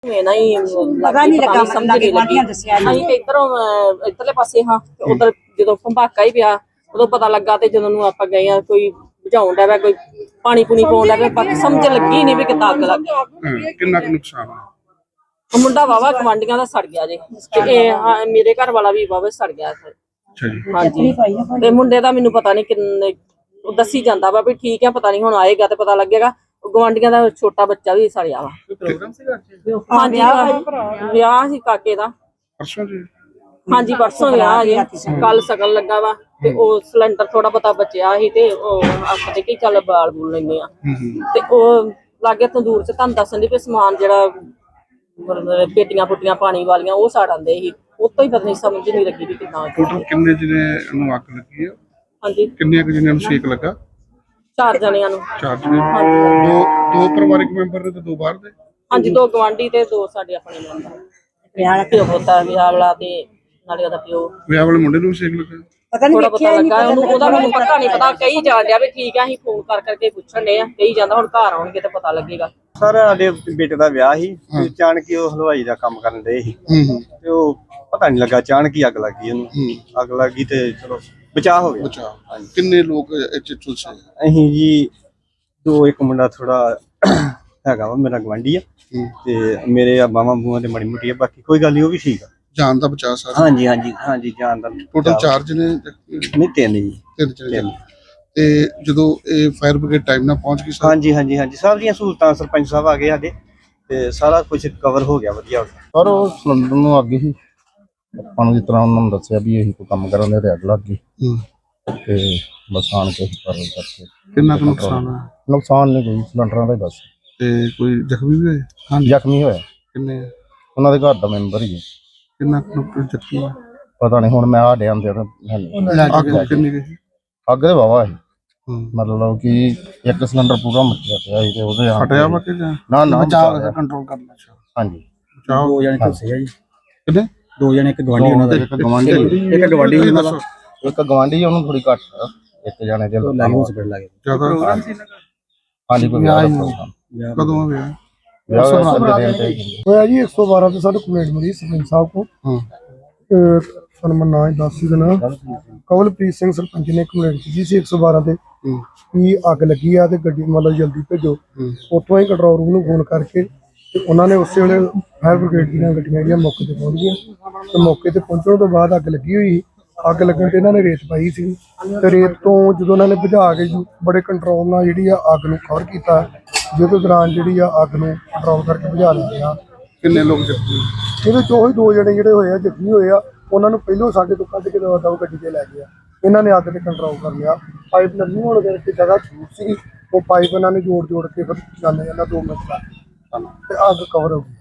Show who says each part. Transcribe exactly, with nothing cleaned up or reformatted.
Speaker 1: ना ही
Speaker 2: पता नहीं लगा
Speaker 1: समझ नहीं लगी ਅਸੀਂ ਤੇ ਇਧਰੋਂ ਇਧਰਲੇ ਪਾਸੇ ਹਾਂ ਤੇ ਉਧਰ ਜਦੋਂ ਭੰਬਾਕਾ ਹੀ ਪਿਆ ਉਦੋਂ ਪਤਾ ਲੱਗਾ ਤੇ ਜਦੋਂ ਨੂੰ ਆਪਾਂ ਗਏ ਆ ਕੋਈ ਬੁਝਾਉਣ ਦਾ ਕੋਈ ਪਾਣੀ ਪੂਣੀ ਪਾਉਣ ਦਾ ਬਾਕੀ ਸਮਝ ਲੱਗੀ ਨਹੀਂ ਵੀ ਕਿੱਦਾਂ ਅੱਗ ਲੱਗ ਗਈ।
Speaker 3: ਕਿੰਨਾ ਕੁ ਨੁਕਸਾਨ ਹੋਇਆ?
Speaker 1: ਮੁੰਡਾ ਵਾਵਾ ਗਵਾਂਡੀਆਂ ਦਾ ਸੜ ਗਿਆ ਜੇ ਤੇ ਇਹ ਮੇਰੇ ਘਰ ਵਾਲਾ ਵੀ ਵਾਵਾ ਸੜ ਗਿਆ।
Speaker 3: ਅੱਛਾ ਜੀ।
Speaker 1: ਹਾਂਜੀ ਤੇ ਮੁੰਡੇ ਦਾ ਮੈਨੂੰ ਪਤਾ ਨਹੀਂ ਕਿੰਨੇ ਦੱਸੀ ਜਾਂਦਾ ਵਾ ਵੀ ਠੀਕ ਆ ਪਤਾ ਨਹੀਂ ਹੁਣ ਆਏਗਾ ਤੇ ਪਤਾ ਲੱਗੇਗਾ। ਗਵਾਂਡੀਆਂ ਦਾ ਛੋਟਾ ਬੱਚਾ ਵੀ ਸੜਿਆ ਵਾ।
Speaker 3: ਪ੍ਰੋਗਰਾਮ ਸੀਗਾ
Speaker 1: ਹਾਂਜੀ ਵਿਆਹ ਸੀ ਕਾਕੇ ਦਾ
Speaker 3: ਪਰਸੋਂ ਜੀ।
Speaker 1: ਹਾਂਜੀ ਪਰਸੋਂ ਵਿਆਹ ਜੇ ਕੱਲ ਸ਼ਗਨ ਲੱਗਾ ਵਾ ਤੇ ਉਹ ਸਿਲੰਡਰ ਥੋੜਾ ਬਹੁਤਾ ਬਚਿਆ ਸੀ ਤੇ ਉਹ ਆਪਾਂ ਕਿ ਚੱਲ ਬਾਲ ਬੂਲ ਲੈਂਦੇ ਆ ਤੇ ਉਹ ਲਾਗੇ ਤੰਦੂਰ ਚ ਤੁਹਾਨੂੰ ਦੱਸਣ ਦੀ ਵੀ ਸਮਾਨ ਜਿਹੜਾ ਪੇਟੀਆਂ ਪੁੱਟੀਆਂ ਪਾਣੀ ਵਾਲੀਆਂ ਉਹ ਸਾੜ ਆਂਦੇ ਸੀ ਉਤੋਂ ਹੀ ਪਤਾ ਨਹੀਂ ਸਮਝ ਨਹੀਂ ਲੱਗੀ ਵੀ ਕਿੰਨਾ
Speaker 3: ਟੋਟਲ ਕਿੰਨੇ ਜਿਹਨੇ ਨੂੰ ਅੱਗ ਲੱਗੀ ਆ?
Speaker 1: ਹਾਂਜੀ
Speaker 3: ਕਿੰਨੇ ਕੁ ਜਿਹਨਾਂ ਨੂੰ ਸੇਕ ਲੱਗਾ?
Speaker 1: ਚਾਰ ਜਣਿਆਂ ਨੂੰ।
Speaker 3: ਚਾਰ ਜਣੇ। ਦੋ ਦੋ ਪਰਿਵਾਰਿਕ ਮੈਂਬਰ ਨੇ ਤੇ ਦੋ ਬਾਹਰ ਦੇ?
Speaker 1: ਹਾਂਜੀ ਦੋ ਗਵਾਂਢੀ ਤੇ ਦੋ ਸਾਡੇ ਆਪਣੇ ਮੈਂਬਰ। ਵਿਆਹ ਵਾਲਾ ਪਿਓ ਪੁੱਤਾ ਵਿਆਹ ਵਾਲਾ ਤੇ ਨਾਲੇ ਉਹਦਾ ਪਿਓ।
Speaker 3: ਵਿਆਹ ਵਾਲੇ ਮੁੰਡੇ ਨੂੰ ਸੇਕ ਲੱਗਾ?
Speaker 2: ਪਤਾ ਨਹੀਂ
Speaker 1: ਪਤਾ ਲੱਗਾ ਉਹਨੂੰ ਉਹਦਾ ਮੈਨੂੰ ਪਤਾ ਨਹੀਂ ਪਤਾ ਕਹੀ ਜਾਣ ਡਿਆ ਵੀ ਠੀਕ ਆ ਅਸੀਂ ਫੋਨ ਕਰ ਕਰਕੇ ਪੁੱਛਣ ਦੇ ਆ ਕਹੀ ਜਾਂਦਾ ਹੁਣ ਘਰ ਆਉਣਗੇ ਤੇ ਪਤਾ ਲੱਗੇਗਾ।
Speaker 4: ਸਰ ਸਾਡੇ ਬੇਟੇ ਦਾ ਵਿਆਹ ਸੀ ਤੇ ਅਚਾਨਕ ਹੀ ਉਹ ਹਲਵਾਈ ਦਾ ਕੰਮ ਕਰਨ ਦੇ ਸੀ ਤੇ ਉਹ ਪਤਾ ਨਹੀਂ ਲੱਗਾ ਅਚਾਨਕ ਹੀ ਅੱਗ ਲੱਗ ਗਈ ਉਹਨੂੰ। ਅੱਗ ਲੱਗੀ ਤੇ ਚਲੋ ਬਚਾਅ ਹੋ ਗਿਆ।
Speaker 3: ਬਚਾਅ। ਕਿੰਨੇ ਲੋਕ ਇੱਥੇ ਝੁਲਸੇ?
Speaker 4: ਅਸੀਂ ਜੀ ਦੋ ਇੱਕ ਮੁੰਡਾ ਥੋੜਾ ਹੈਗਾ ਵਾ ਮੇਰਾ ਗਵਾਂਢੀ ਆ ਤੇ ਮੇਰੇ ਆ ਬਾਵਾਂ ਬੂਆਂ ਤੇ ਮਾੜੀ ਮੋਟੀ ਆ ਬਾਕੀ ਕੋਈ ਗੱਲ ਨਹੀਂ ਉਹ ਵੀ ਠੀਕ ਆ।
Speaker 3: ਜਾਨ ਦਾ ਬਚਾਅ ਸਾਰਾ?
Speaker 4: ਹਾਂਜੀ ਹਾਂਜੀ ਹਾਂਜੀ ਜਾਨ ਦਾ।
Speaker 3: ਟੋਟਲ ਚਾਰ ਜਣੇ?
Speaker 4: ਨਹੀਂ ਤਿੰਨ ਜੀ।
Speaker 3: ਤਿੰਨ ਜਣੇ। ਤੇ ਜਦੋਂ ਇਹ ਫਾਇਰ ਬ੍ਰਿਗੇਡ ਟਾਈਮ ਨਾਲ ਪਹੁੰਚ ਗਈ?
Speaker 4: ਹਾਂਜੀ ਹਾਂਜੀ ਹਾਂਜੀ ਸਭ ਦੀਆਂ ਸਹੂਲਤਾਂ ਸਰਪੰਚ ਸਾਹਿਬ ਆ ਗਏ ਸਾਡੇ ਤੇ ਸਾਰਾ ਕੁਝ ਕਵਰ ਹੋ ਗਿਆ ਵਧੀਆ ਹੋ ਗਿਆ।
Speaker 5: ਪਰ ਉਹ ਸਿਲੰਡਰ ਨੂੰ ਅੱਗ ਹੀ ਆਪਾਂ ਨੂੰ ਜਿਸ ਤਰ੍ਹਾਂ ਉਹਨਾਂ ਨੂੰ ਦੱਸਿਆ ਵੀ ਇਹੀ ਕੋਈ ਕੰਮ ਕਰਨ ਦੇ ਤੇ ਅੱਗ ਲੱਗ ਗਈ ਤੇ ਬਸ ਆਣ ਕੇ ਕਰਨ ਕਰਕੇ।
Speaker 3: ਕਿੰਨਾ ਕੁ ਨੁਕਸਾਨ ਹੋਇਆ?
Speaker 5: ਨੁਕਸਾਨ ਨਹੀਂ ਕੋਈ ਸਿਲੰਡਰਾਂ ਦਾ ਹੀ ਬਸ।
Speaker 3: ਤੇ ਕੋਈ ਜ਼ਖਮੀ ਵੀ ਹੋਏ?
Speaker 5: ਹਾਂ ਜ਼ਖਮੀ ਹੋਇਆ।
Speaker 3: ਕਿੰਨੇ?
Speaker 5: ਉਹਨਾਂ ਦੇ ਘਰ ਦਾ ਮੈਂਬਰ ਹੀ ਹੈ।
Speaker 3: ਕਿੰਨਾ ਕੁ ਜ਼ਖਮੀ ਹੋਇਆ?
Speaker 5: ਪਤਾ ਨਹੀਂ ਹੁਣ ਮੈਂ ਆ ਡਿਆਂ ਦੇ
Speaker 3: ਅੱਗ ਕਿੰਨੀ ਗਈ?
Speaker 5: ਅੱਗ ਦੇ ਵਾਵਾ ਸੀ ਮਤਲਬ ਕਿ ਇੱਕ ਸਿਲੰਡਰ ਪੂਰਾ ਮੱਚਿਆ ਪਿਆ ਸੀ ਤੇ ਉਹਦੇ
Speaker 3: ਫਟਿਆ ਵਾ ਕਿ
Speaker 5: ਨਾ ਨਾ
Speaker 3: ਬਚਾਅ ਕੰਟਰੋਲ ਕਰਨਾ?
Speaker 5: ਹਾਂਜੀ
Speaker 3: ਦੋ
Speaker 4: ਜਣੇ ਝੁਲਸੇ ਆ ਜੀ।
Speaker 3: ਕਿੰਨੇ?
Speaker 4: ਦੋ ਜਣੇ ਇੱਕ ਗਵਾਂਢੀ ਉਹਨਾਂ ਦਾ
Speaker 5: ਇੱਕ ਗਵਾਂਢੀ
Speaker 4: ਇੱਕ ਗਵਾਂਢੀ ਉਹਨਾਂ ਦਾ
Speaker 5: ਇੱਕ ਗਵਾਂਢੀ ਉਹਨੂੰ ਥੋੜੀ ਘੱਟ ਇੱਕ ਜਣੇ ਦੇ
Speaker 4: ਲਾਈਵ ਹਸਪੀਟਲ ਲੱਗੇ
Speaker 3: ਜ਼ਿਆਦਾ?
Speaker 5: ਹਾਂਜੀ ਕੋਈ ਵਿਆਹ
Speaker 3: ਕਦੋਂ ਹੋਇਆ?
Speaker 6: ਹੋਇਆ ਜੀ ਇੱਕ ਸੌ ਬਾਰਾਂ ਤੇ ਸਾਡੇ ਕੰਪਲੇਂਟ ਮਿਲੀ ਸਰਪੰਚ ਸਾਹਿਬ को। ਸਾਨੂੰ ਮੈਂ ਨਾਂ ਦੱਸ ਹੀ ਦੇਣਾ ਕਵਲਪ੍ਰੀਤ ਸਿੰਘ ਸਰਪੰਚ ਨੇ ਕੰਪਲੇਂਟ ਕੀਤੀ ਸੀ ਇੱਕ ਸੌ ਬਾਰਾਂ ਤੇ ਵੀ ਅੱਗ ਲੱਗੀ ਆ ਤੇ ਗੱਡੀ ਮਤਲਬ ਜਲਦੀ ਭੇਜੋ। ਉੱਥੋਂ ਹੀ ਕੰਟਰੋਲ ਰੂਮ ਨੂੰ ਫੋਨ ਕਰਕੇ ਤੇ ਉਹਨਾਂ ਨੇ ਉਸੇ ਵੇਲੇ ਫਾਇਰ ਬ੍ਰਿਗੇਡ ਦੀਆਂ ਗੱਡੀਆਂ ਜਿਹੜੀਆਂ ਮੌਕੇ ਤੇ ਪਹੁੰਚ ਗਈਆਂ ਤੇ ਮੌਕੇ ਤੇ ਪਹੁੰਚਣ ਤੋਂ ਬਾਅਦ ਅੱਗ ਲੱਗੀ ਹੋਈ ਅੱਗ ਲੱਗਣ ਤੇ ਇਹਨਾਂ ਨੇ ਰੇਤ ਪਾਈ ਸੀ ਤੇ ਰੇਤ ਤੋਂ ਜਦੋਂ ਉਹਨਾਂ ਨੇ ਬੁਝਾ ਕੇ ਬੜੇ ਕੰਟਰੋਲ ਨਾਲ ਜਿਹੜੀ ਆ ਅੱਗ ਨੂੰ ਕਵਰ ਕੀਤਾ ਜਿਹਦੇ ਦੌਰਾਨ ਜਿਹੜੀ ਆ ਅੱਗ ਨੂੰ ਕੰਟਰੋਲ ਕਰਕੇ ਬੁਝਾ ਲਿਆ।
Speaker 3: ਕਿੰਨੇ ਲੋਕ ਜ਼ਖਮੀ?
Speaker 6: ਇਹਦੇ ਚੋਂ ਹੀ ਦੋ ਜਣੇ ਜਿਹੜੇ ਹੋਏ ਆ ਜ਼ਖਮੀ ਹੋਏ ਆ ਉਹਨਾਂ ਨੂੰ ਪਹਿਲੋਂ ਸਾਡੇ ਤੋਂ ਕੱਢ ਕੇ ਦਵਾ ਗੱਡੀ ਤੇ ਲੈ ਗਏ ਆ। ਇਹਨਾਂ ਨੇ ਅੱਗ ਤੇ ਕੰਟਰੋਲ ਕਰ ਲਿਆ। ਪਾਈਪ ਲੱਗੀ ਹੋਣ ਕਰਕੇ ਜਗ੍ਹਾ ਛੂਟ ਸੀ ਉਹ ਪਾਈਪ ਇਹਨਾਂ ਨੇ ਜੋੜ ਜੋੜ ਕੇ ਫਿਰ ਜਾਂਦੇ ਜਾਂਦਾ ਦੋ ਮਿੰਟ ਤੱਕ ਤੇ ਅੱਗ ਕਵਰ ਹੋ ਗਈ।